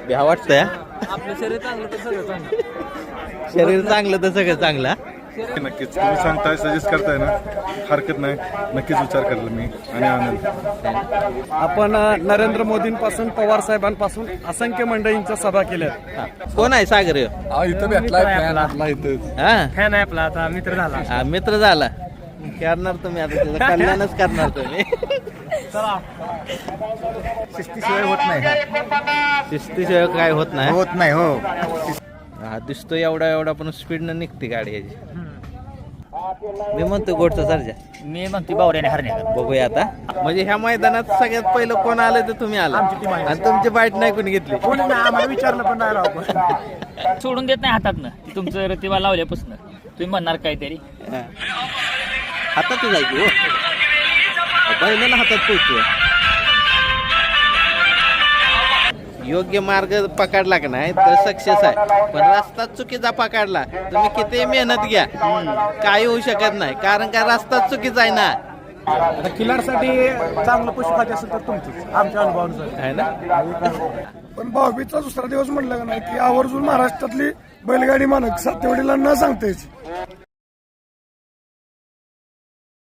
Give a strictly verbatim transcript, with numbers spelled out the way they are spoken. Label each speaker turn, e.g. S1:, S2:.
S1: भ्या वाटतंय हा?
S2: आपलं शरीर चांगलं तर सगळं चांगलं.
S1: शरीर चांगलं तर सगळं चांगलं हा?
S3: नक्कीच तुम्ही सांगताय सजेस्ट करताय ना हरकत नाही नक्कीच विचार करेल मी आणि आनंद
S4: आपण अ, नरेंद्र मोदींपासून पवार साहेबांपासून असंख्य मंडळींच्या सभा केल्या.
S1: हा. कोण आहे सागर ह्यो?
S3: इथं भेटलाय इथं
S1: हा
S2: फॅन आहे आपला आता मित्र झाला.
S1: हा, मित्र झाला करणार तुम्ही आता त्याचं कल्याणच करणार तुम्ही.
S3: शिस्तीशिवाय होत नाही
S1: शिस्तीशिवाय काय होत नाही
S3: होत नाही हो
S1: हा दिसतो एवढा एवढा पण स्पीडनं निघते गाडी याची. मी म्हणतो गोडचा सर्जा
S2: मी म्हणते बावऱ्याने हरण्या
S1: बघूया आता. म्हणजे ह्या मैदानात सगळ्यात पहिलं कोण आलं तर तुम्ही आला आणि तुमची बाईट नाही कोणी घेतली.
S4: आम्हाला विचारलं पण नाही राव.
S2: सोडून देत नाही हातातनं ती तुमचं रतिबा लावल्यापासून तुम्ही म्हणणार काहीतरी.
S1: हा. हातात जायची हो बैलाला हातात पोहोचतो. योग्य मार्ग पकडला का नाही तर सक्सेस आहे. पण रस्ता चुकीचा पकडला तुम्ही किती मेहनत घ्या काही होऊ शकत नाही. कारण का रस्ता चुकीचा आहे ना.
S4: आता किल्लारसाठी चांगलं पशु खाद्य असेल तर तुमचंच आमच्या अनुभवानुसार
S1: आहे ना.
S5: पण भाऊबीजचा दुसरा दिवस म्हणलं का नाही की आवर्जून महाराष्ट्रातली बैलगाडी मालक सातेवडीला न सांगतायच